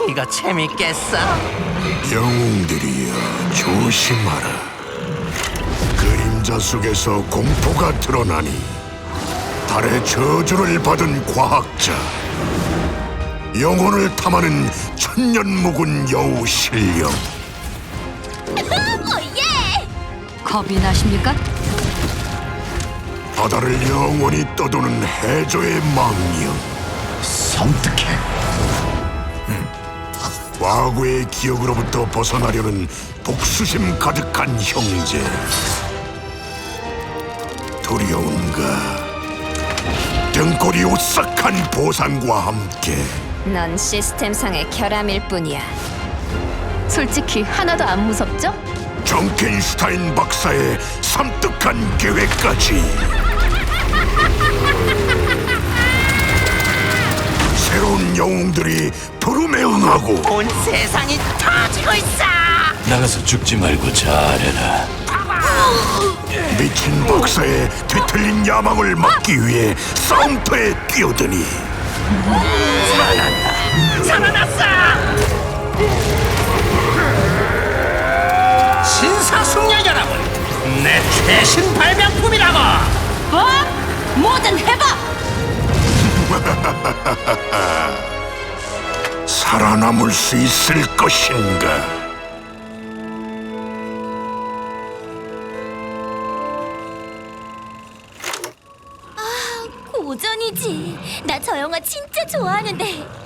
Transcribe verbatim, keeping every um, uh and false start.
이거 재밌겠어. 영웅들이여, 조심하라. 그림자 속에서 공포가 드러나니 달의 저주를 받은 과학자, 영혼을 탐하는 천년 묵은 여우 신령. 오예! 겁이 나십니까? 바다를 영원히 떠도는 해저의 망령. 섬뜩해. 과거의 기억으로부터 벗어나려는 복수심 가득한 형제. 두려운가? 등골이 오싹한 보상과 함께 넌 시스템상의 결함일 뿐이야. 솔직히 하나도 안 무섭죠? 정켄슈타인 박사의 섬뜩한 계획까지. 새로운 영웅들이 부름에 응하고 온 세상이 터지고 있어. 나가서 죽지 말고 잘해라. 미친 박사의 뒤틀린 야망을 막기 위해 싸움터에 뛰어드니 살아났어. 신사숙녀 여러분, 내 최신 발명품이라고. 뭐? 뭐든 해봐! 살아남을 수 있을 것인가? 고전이지. 나 저 영화 진짜 좋아하는데.